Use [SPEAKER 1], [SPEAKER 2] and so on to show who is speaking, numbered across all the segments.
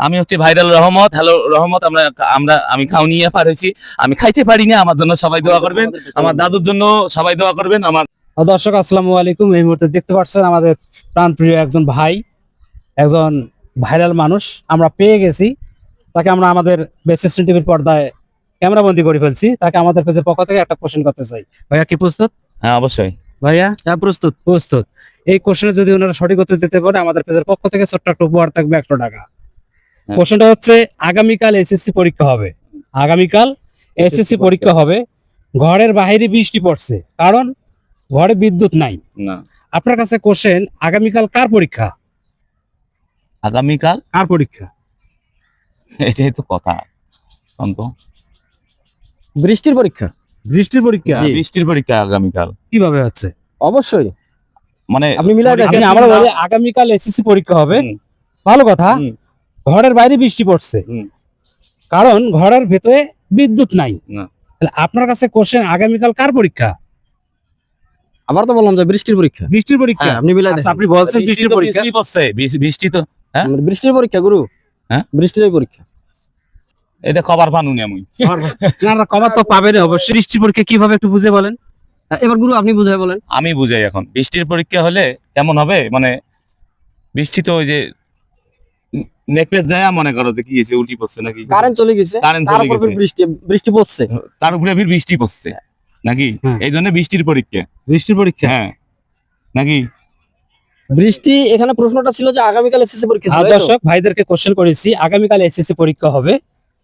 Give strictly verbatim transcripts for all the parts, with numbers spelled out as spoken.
[SPEAKER 1] আমি হচ্ছে ভাইরাল রহমত। হ্যালো রহমত, আমরা আমরা আমি খাওনিয়া পারেছি, আমি খাইতে পারি না, আমার জন্য সবাই দোয়া করবেন, আমার দাদুর জন্য সবাই দোয়া করবেন। আমার
[SPEAKER 2] দর্শক আসসালামু আলাইকুম। এই মুহূর্তে দেখতে পাচ্ছেন আমাদের প্রাণপ্রিয় একজন ভাই, একজন ভাইরাল মানুষ আমরা পেয়ে গেছি। তাকে আমরা আমাদের বেসিস্টেন টিভির পর্দায় ক্যামেরাবন্দি করে ফেলছি। তাকে আমাদের পেজের পক্ষ থেকে একটা কোশ্চেন করতে চাই। ভাইয়া কি প্রস্তুত?
[SPEAKER 1] হ্যাঁ অবশ্যই
[SPEAKER 2] ভাইয়া হ্যাঁ প্রস্তুত প্রস্তুত এই কোশ্চেনে যদি ওনারা সঠিক উত্তর দিতে পারে আমাদের পেজের পক্ষ থেকে ছোট্ট একটা উপহার থাকবে একশো টাকা। কোশ্চেনটা হচ্ছে, আগামীকাল এসএসসি পরীক্ষা হবে, আগামীকাল এসএসসি পরীক্ষা হবে, ঘরের বাইরে বৃষ্টি পড়ছে, কারণ ঘরে বিদ্যুৎ নাই।
[SPEAKER 1] না,
[SPEAKER 2] আপনার কাছে কোশ্চেন, আগামীকাল কার পরীক্ষা?
[SPEAKER 1] আগামীকাল
[SPEAKER 2] কার পরীক্ষা?
[SPEAKER 1] এটাই তো কথা। অন্ত
[SPEAKER 3] বৃষ্টির পরীক্ষা।
[SPEAKER 2] বৃষ্টির পরীক্ষা?
[SPEAKER 1] হ্যাঁ, বৃষ্টির পরীক্ষা আগামীকাল।
[SPEAKER 2] কিভাবে হচ্ছে?
[SPEAKER 3] অবশ্যই
[SPEAKER 1] মানে
[SPEAKER 3] আপনি মিলাই দেখেন।
[SPEAKER 2] আপনি আমরা বলি আগামীকাল এসএসসি পরীক্ষা হবে,
[SPEAKER 1] হুম,
[SPEAKER 2] ভালো কথা,
[SPEAKER 1] হুম,
[SPEAKER 2] ঘরের বাইরে বৃষ্টি পড়ছে,
[SPEAKER 1] হুম।
[SPEAKER 2] কারণ ঘরের ভেতরে বিদ্যুৎ নাই।
[SPEAKER 1] না।
[SPEAKER 2] তাহলে আপনার কাছে কোশ্চেন, আগামীকাল কার পরীক্ষা?
[SPEAKER 3] আবার তো বললাম যে বৃষ্টির পরীক্ষা।
[SPEAKER 2] বৃষ্টির পরীক্ষা?
[SPEAKER 3] হ্যাঁ, আপনি মিলাই
[SPEAKER 2] আচ্ছা,
[SPEAKER 3] দেখেন।
[SPEAKER 2] আপনি বলছেন বৃষ্টির
[SPEAKER 1] তো
[SPEAKER 2] পরীক্ষা।
[SPEAKER 1] বৃষ্টি পড়ছে, বৃষ্টি- বৃষ্টি তো হ্যাঁ
[SPEAKER 3] মানে বৃষ্টির পরীক্ষা গুরু।
[SPEAKER 1] হ্যাঁ?
[SPEAKER 3] বৃষ্টির পরীক্ষা।
[SPEAKER 1] এটা খবর পানুনি আমি।
[SPEAKER 2] না না, কমার তো পাবেন অবশ্যই। বৃষ্টির পরীক্ষা কিভাবে একটু বুঝে বলেন।
[SPEAKER 3] এবার গুরু আপনি বুঝাই বলেন।
[SPEAKER 1] আমি বুঝাই এখন, বৃষ্টির পরীক্ষা হলে কেমন হবে, মানে বৃষ্টি তো ওই যে নেকলেস যায়, মনে করো যে কি হয়েছে, উল্টি পড়ছে নাকি,
[SPEAKER 3] কারেন্ট চলে গেছে,
[SPEAKER 1] কারেন্ট
[SPEAKER 3] তার
[SPEAKER 1] চলে
[SPEAKER 3] উপর
[SPEAKER 1] গেছে,
[SPEAKER 3] ফির বৃষ্টি বৃষ্টি পড়ছে।
[SPEAKER 1] তার উপরে ফির বৃষ্টি পড়ছে নাকি,
[SPEAKER 2] হ্যাঁ।
[SPEAKER 1] এই জন্য বৃষ্টির পরীক্ষা।
[SPEAKER 2] বৃষ্টির পরীক্ষা?
[SPEAKER 1] হ্যাঁ নাকি?
[SPEAKER 3] বৃষ্টি, এখানে প্রশ্নটা ছিল যে আগামীকাল এসএসসি পরীক্ষা ছিল,
[SPEAKER 2] হ্যাঁ,
[SPEAKER 3] তাই তো?
[SPEAKER 2] দর্শক ভাইদেরকে কোশ্চেন করেছি, আগামীকাল এসএসসি পরীক্ষা হবে,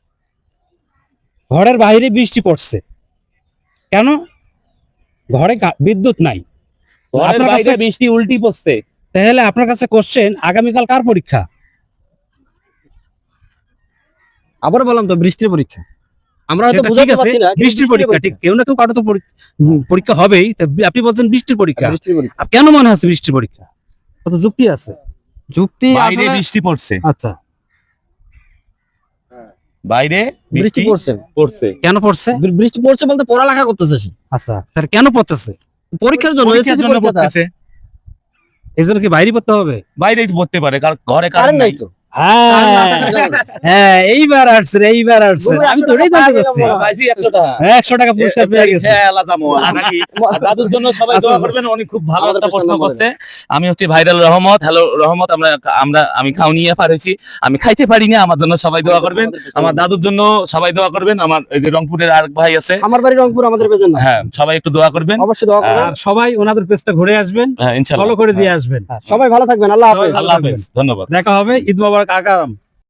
[SPEAKER 2] ঘরের বাইরে বৃষ্টি পড়ছে, কেন? ঘরে গা- বিদ্যুৎ নাই।
[SPEAKER 1] ঘরের
[SPEAKER 2] আপনার
[SPEAKER 1] বাইরে
[SPEAKER 2] কাছে-
[SPEAKER 1] বৃষ্টি উল্টি পড়ছে।
[SPEAKER 2] তাহলে আপনার কাছে কোশ্চেন, আগামীকাল কার পরীক্ষা?
[SPEAKER 3] আবার বললাম তো বৃষ্টির পরীক্ষা। আমরা হয়তো
[SPEAKER 2] সেটা ঠিক
[SPEAKER 3] বুঝাতে
[SPEAKER 2] আছে,
[SPEAKER 3] পারছি না, কিন্তু
[SPEAKER 2] বৃষ্টির পরীক্ষা ঠিক, কেউ না কেউ কারো তো পরী- উম, পরীক্ষা হবেই। তা আপনি বলছেন বৃষ্টির পরীক্ষা,
[SPEAKER 3] বৃষ্টির পরীক্ষা।
[SPEAKER 2] আপ- কেন মনে হচ্ছে বৃষ্টির পরীক্ষা? কত যুক্তি আছে।
[SPEAKER 3] যুক্তি
[SPEAKER 1] বাইরে
[SPEAKER 3] আসলে
[SPEAKER 1] বৃষ্টি পড়ছে,
[SPEAKER 2] আচ্ছা,
[SPEAKER 1] বাইরে
[SPEAKER 3] বৃষ্টি
[SPEAKER 1] বৃষ্টি
[SPEAKER 3] পড়ছে।
[SPEAKER 1] পড়ছে।
[SPEAKER 2] কেন পড়ছে?
[SPEAKER 3] বৃ- বৃষ্টি পড়ছে বলতে পড়ালেখা করতেছে সে,
[SPEAKER 2] আচ্ছা, তাহলে কেন পড়তেছে?
[SPEAKER 3] পরীক্ষার জন্য।
[SPEAKER 1] পরীক্ষার
[SPEAKER 3] এসএসসি
[SPEAKER 1] জন্য
[SPEAKER 3] পরীক্ষা।
[SPEAKER 1] পড়তেছে।
[SPEAKER 2] এই জন্য কি বাইরে পড়তে হবে?
[SPEAKER 1] বাইরেই তো পড়তে পারে, কারণ ঘরে
[SPEAKER 3] কারেন্ট
[SPEAKER 1] কারেন্ট
[SPEAKER 3] নাই
[SPEAKER 1] নাই।
[SPEAKER 3] তো।
[SPEAKER 2] হ্যাঁ
[SPEAKER 3] কারেন্ট না থাকার কারণে।
[SPEAKER 2] হ্যাঁ, এইবার আসছে, এইবার আসছে।
[SPEAKER 3] গুরু,
[SPEAKER 2] আমি
[SPEAKER 3] একশো
[SPEAKER 2] তো ওটাই
[SPEAKER 3] টাকা
[SPEAKER 2] জানতে
[SPEAKER 3] পাই
[SPEAKER 2] চাচ্ছি।
[SPEAKER 3] না,
[SPEAKER 1] পাইছি একশো টাকা।
[SPEAKER 2] হ্যাঁ, একশো টাকা পুরস্কার পেয়ে গেছে।
[SPEAKER 1] হ্যাঁ, আলাদা মোয়া, নাকি? আর দাদুর জন্য সবাই
[SPEAKER 2] আচ্ছা,
[SPEAKER 1] দোয়া
[SPEAKER 2] আচ্ছা।
[SPEAKER 1] করবেন, উনি খুব ভালো
[SPEAKER 3] আমাদের
[SPEAKER 1] একটা প্রশ্ন
[SPEAKER 3] প্রশ্ন
[SPEAKER 1] করছে। আমি হচ্ছে ভাইরাল রহমত। হ্যালো রহমত, আমরা আমরা আমি খাওনিয়া পারেছি, আমি খাইতে পারি না, আমার জন্য সবাই দোয়া করবেন, আমার দাদুর জন্য সবাই দোয়া করবেন, আমার এই যে রংপুরের আরেক ভাই আছে,
[SPEAKER 3] আমার বাড়ি রংপুর, আমাদের পেজের না।
[SPEAKER 1] হ্যাঁ সবাই একটু দোয়া করবেন।
[SPEAKER 3] অবশ্যই দোয়া করবেন।
[SPEAKER 2] আর সবাই ওনাদের পেজটা ঘুরে আসবেন,
[SPEAKER 1] হ্যাঁ ইনশাআল্লাহ,
[SPEAKER 2] ফলো করে দিয়ে আসবেন।
[SPEAKER 3] সবাই ভালো থাকবেন। আল্লাহ হাফেজ।
[SPEAKER 1] আল্লাহ হাফেজ, ধন্যবাদ।
[SPEAKER 2] দেখা হবে। ঈদ মোবারক আগাম।